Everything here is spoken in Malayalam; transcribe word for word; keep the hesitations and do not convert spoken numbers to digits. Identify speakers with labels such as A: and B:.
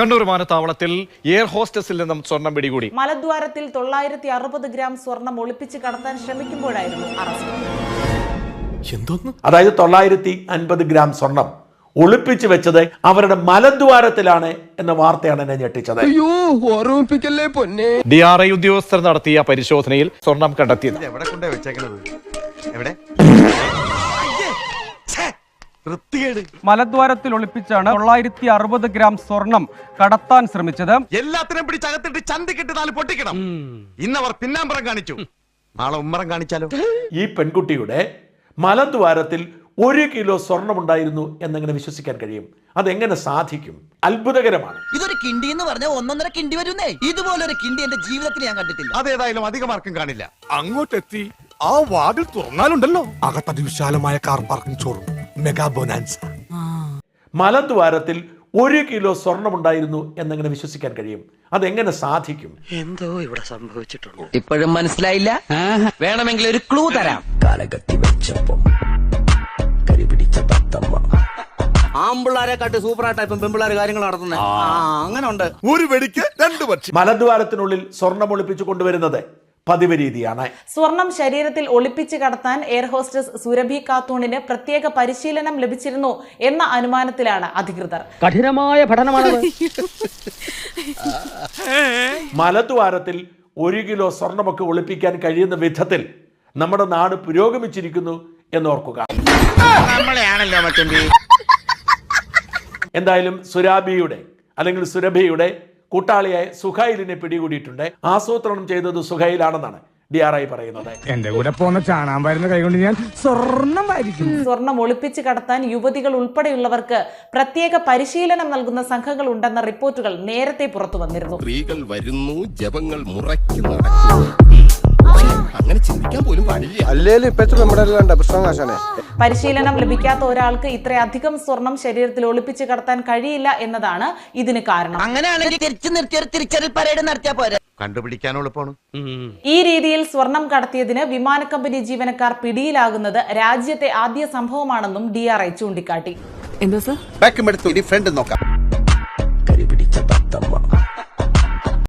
A: കണ്ണൂർ വിമാനത്താവളത്തിൽ എയർ ഹോസ്റ്റസിൽ നിന്നും സ്വർണം പിടികൂടി.
B: മലദ്വാരത്തിൽ തൊള്ളായിരത്തി അറുപത് ഗ്രാം സ്വർണം ഒളിപ്പിച്ച് കടത്താൻ ശ്രമിക്കുമ്പോഴായിരുന്നു അറസ്റ്റ്.
C: അതായത് തൊള്ളായിരത്തി അൻപത് ഗ്രാം സ്വർണം ഒളിപ്പിച്ചു വെച്ചത് അവരുടെ മലദ്വാരത്തിലാണ് എന്ന വാർത്തയാണ് എന്നെ ഞെട്ടിച്ചത്.
A: ഡി ആർ ഐ ഉദ്യോഗസ്ഥർ നടത്തിയ പരിശോധനയിൽ സ്വർണം കണ്ടെത്തിയത്
D: മലദ്വാരത്തിൽ ഒളിപ്പിച്ചാണ് തൊള്ളായിരത്തി അറുപത് ഗ്രാം സ്വർണം കടത്താൻ ശ്രമിച്ചത്.
E: എല്ലാത്തിനും പിടിച്ചകത്തിട്ട് ചന്തിക്കിട്ട് നാല് പൊട്ടിക്കണം. ഇന്നവർ പിന്നാമ്പറം കാണിച്ചു, നാളെ ഉമ്മറം കാണിച്ചാലോ?
C: ഈ പെൺകുട്ടിയുടെ മലദ്വാരത്തിൽ ഒരു കിലോ സ്വർണമുണ്ടായിരുന്നു എന്നെങ്ങനെ വിശ്വസിക്കാൻ കഴിയും? അതെങ്ങനെ സാധിക്കും? അത്ഭുതകരമാണ്.
F: ഇതൊരു കിണ്ടി എന്ന് പറഞ്ഞാൽ ഒന്നൊന്നര കിണ്ടി വരുന്നേ. ഇതുപോലൊരു കിണ്ടി എന്റെ ജീവിതത്തിൽ ഞാൻ കണ്ടിട്ടില്ല.
E: അതേതായാലും അധികമാർക്കും കാണില്ല.
G: അങ്ങോട്ടെത്തി ആ വാതിൽ തുറന്നാലുണ്ടല്ലോ അകത്തത് വിശാലമായ car parking showroom, mega bonanza.
C: മലദ്വാരത്തിൽ ഒരു കിലോ സ്വർണമുണ്ടായിരുന്നു എന്നെങ്ങനെ വിശ്വസിക്കാൻ കഴിയും? അതെങ്ങനെ സാധിക്കും?
F: എന്തോ ഇവിടെ സംഭവിച്ചിട്ടുണ്ട്. ഇപ്പോഴും മനസ്സിലായില്ല? വേണമെങ്കിൽ ഒരു ക്ലൂ തരാം. കാലകത്തി വെച്ചപ്പോ കരിപിടിച്ച തത്തമ്മ. ആമ്പിള്ളാരെ കാട്ടി സൂപ്പറായിട്ട് ഇപ്പം പെമ്പിള്ളാര് കാര്യങ്ങൾ നടത്തുന്നത് അങ്ങനെ ഉണ്ട്.
G: ഒരു വെടിക്ക് രണ്ട് പക്ഷി.
C: മലദ്വാരത്തിനുള്ളിൽ സ്വർണം ഒളിപ്പിച്ചു കൊണ്ടുവരുന്നത് പതിവ് രീതിയാണ്.
B: സ്വർണം ശരീരത്തിൽ ഒളിപ്പിച്ച് കടത്താൻ എയർ ഹോസ്റ്റസ് സുരഭി ഖാത്തൂണിന് പ്രത്യേക പരിശീലനം ലഭിച്ചിരുന്നു എന്ന അനുമാനത്തിലാണ് അധികൃതർ.
D: കഠിനമായ പഠനമാണ്.
C: മലദ്വാരത്തിൽ ഒരു കിലോ സ്വർണമൊക്കെ ഒളിപ്പിക്കാൻ കഴിയുന്ന വിധത്തിൽ നമ്മുടെ നാട് പുരോഗമിച്ചിരിക്കുന്നു എന്നോർക്കുക. എന്തായാലും സുരാബിയുടെ അല്ലെങ്കിൽ സുരഭിയുടെ കൂട്ടാളിയായ സുഹൈലിനെ പിടികൂടിയിട്ടുണ്ട്. ആസൂത്രണം ചെയ്തത് സുഹൈലാണെന്നാണ് ഡി ആർ ഐ പറയുന്നത്.
G: എന്റെ കൂടെ പോന്ന ചാണാൻ വരുന്ന കൈകൊണ്ട് ഞാൻ സ്വർണം വാരിക്കും.
B: സ്വർണം ഒളിപ്പിച്ച് കടത്താൻ യുവതികൾ ഉൾപ്പെടെയുള്ളവർക്ക് പ്രത്യേക പരിശീലനം നൽകുന്ന സംഘങ്ങൾ ഉണ്ടെന്ന റിപ്പോർട്ടുകൾ നേരത്തെ പുറത്തു വന്നിരുന്നു.
H: സ്ത്രീകൾ വരുന്നു, ജപങ്ങൾ മുറയ്ക്കുന്നു. അങ്ങനെ ചിന്തിക്കാൻ പോലും പാടില്ല.
B: പരിശീലനം ലഭിക്കാത്ത ഒരാൾക്ക് ഇത്രയധികം സ്വർണം ശരീരത്തിൽ ഒളിപ്പിച്ച് കടത്താൻ കഴിയില്ല എന്നതാണ് ഇതിന് കാരണം.
F: അങ്ങനെയാണെങ്കിൽ തിരിച്ചു നിർത്തി ഒരു തിരിച്ചറിയൽ പരേഡ് നടത്തിയാ പോരെ.
E: കണ്ടുപിടിക്കാൻ എളുപ്പമാണ്.
B: ഈ രീതിയിൽ സ്വർണം കടത്തിയതിന് വിമാന കമ്പനി ജീവനക്കാർ പിടിയിലാകുന്നത് രാജ്യത്തെ ആദ്യ സംഭവമാണെന്നും ഡി ആർ ഐ ചൂണ്ടിക്കാട്ടി.
H: ബാക്കും എടുത്തു, ഇനി ഫ്രണ്ട് നോക്കാം.